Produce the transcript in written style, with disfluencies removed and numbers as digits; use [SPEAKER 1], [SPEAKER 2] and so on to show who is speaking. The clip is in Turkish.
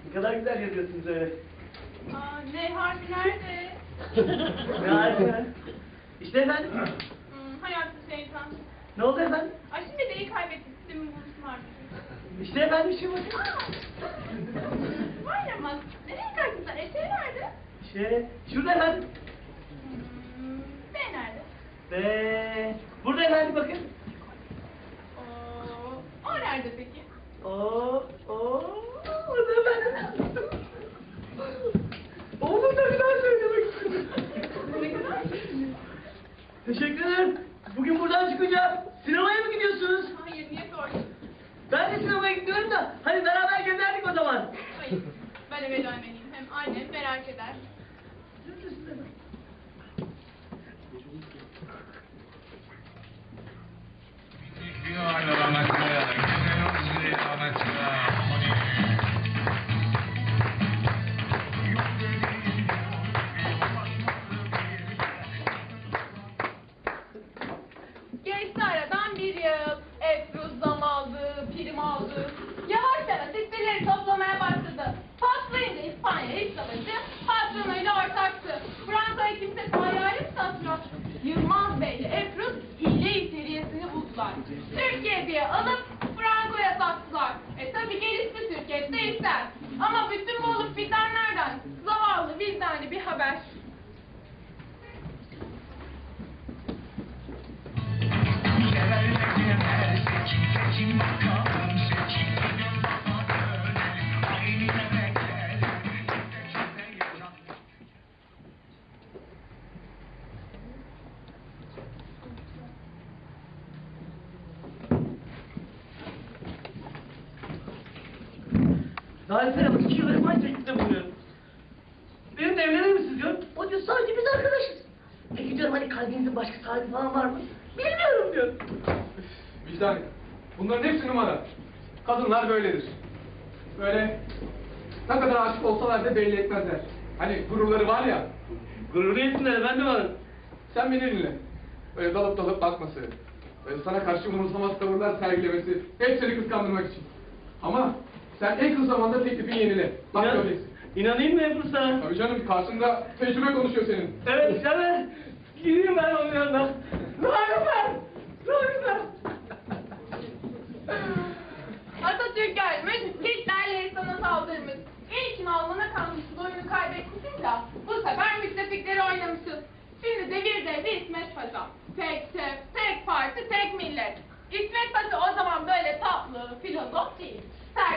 [SPEAKER 1] Ne kadar güzel yazıyorsunuz öyle.
[SPEAKER 2] Aa, ne harfi nerede?
[SPEAKER 1] Ne harika. İşte efendim.
[SPEAKER 2] Hayatım şeytan.
[SPEAKER 1] Ne oldu efendim?
[SPEAKER 2] Ay şimdi D'yi kaybettik. Sistemin buluşum harfi.
[SPEAKER 1] İşte efendim şu bakın.
[SPEAKER 2] Var ama nereye kaçtılar? Eşeği nerede?
[SPEAKER 1] İşte şurada efendim.
[SPEAKER 2] B nerede?
[SPEAKER 1] Ve burada efendim bakın.
[SPEAKER 2] O nerede peki?
[SPEAKER 1] Orada efendim. Oğlum da bir daha söylemek istedim.
[SPEAKER 2] Ne kadar?
[SPEAKER 1] Teşekkür ederim. Bugün buradan çıkınca sinemaya mı gidiyorsunuz?
[SPEAKER 2] Hayır, niye sordun?
[SPEAKER 1] Ben de sinemaya gidiyorum da hani beraber gezerdik o zaman.
[SPEAKER 2] Hayır, ben eve dönmeliyim. Hem annem merak eder. Geçti aradan bir yıl. Efruz zam aldı, prim aldı. Yavaş yavaş hisseleri toplamaya başladı. Patlayınca İspanya İç Savaşı patronuyla ortaktı. Fransa'ya kimse hayali mi satmıyor? Yılmaz Bey ile Efruz hile içeriyesini buldular. Türkiye diye alıp Franco'ya sattılar. Tabi gelişti Türkiye de ister. Ama bütün bu olup bitenlerden zavallı vicdanlı bir haber.
[SPEAKER 1] Zarife Hanım 2 yıldır aynı teklifte bulunuyorum. Benimle evlenir misiniz diyor. O diyor sadece biz arkadaşız. Peki diyorum hani kalbinizin başka sahibi falan var mı? Bilmiyorum diyor.
[SPEAKER 3] Vicdan, bunların hepsi numara. Kadınlar böyledir. Böyle ne kadar aşık olsalar da belli etmezler. Hani gururları var ya.
[SPEAKER 1] Gururlu etsinler efendim hanım.
[SPEAKER 3] Sen beni dinle. Böyle dalıp dalıp bakması, böyle sana karşı umursamaz tavırlar sergilemesi, hep seni kıskandırmak için. Ama sen en kısa zamanda teklifini yenile. Bak göreceksin.
[SPEAKER 1] İnanayım mı Ebru sana?
[SPEAKER 3] Tabii canım, karşında tecrübe konuşuyor senin.
[SPEAKER 1] Evet, evet. Gideyim ben onun yanına. Zarife! Zarife!
[SPEAKER 2] Atatürk gelmiş, Hitler'le sana saldırmış. İlkin Alman'a kalmış, oyunu kaybetmişsin ya, bu sefer müttefikleri oynamışız. Şimdi devir devri İsmet Paşa. Tek şef, tek parti, tek millet. İsmet Paşa o zaman böyle tatlı, filozof değil.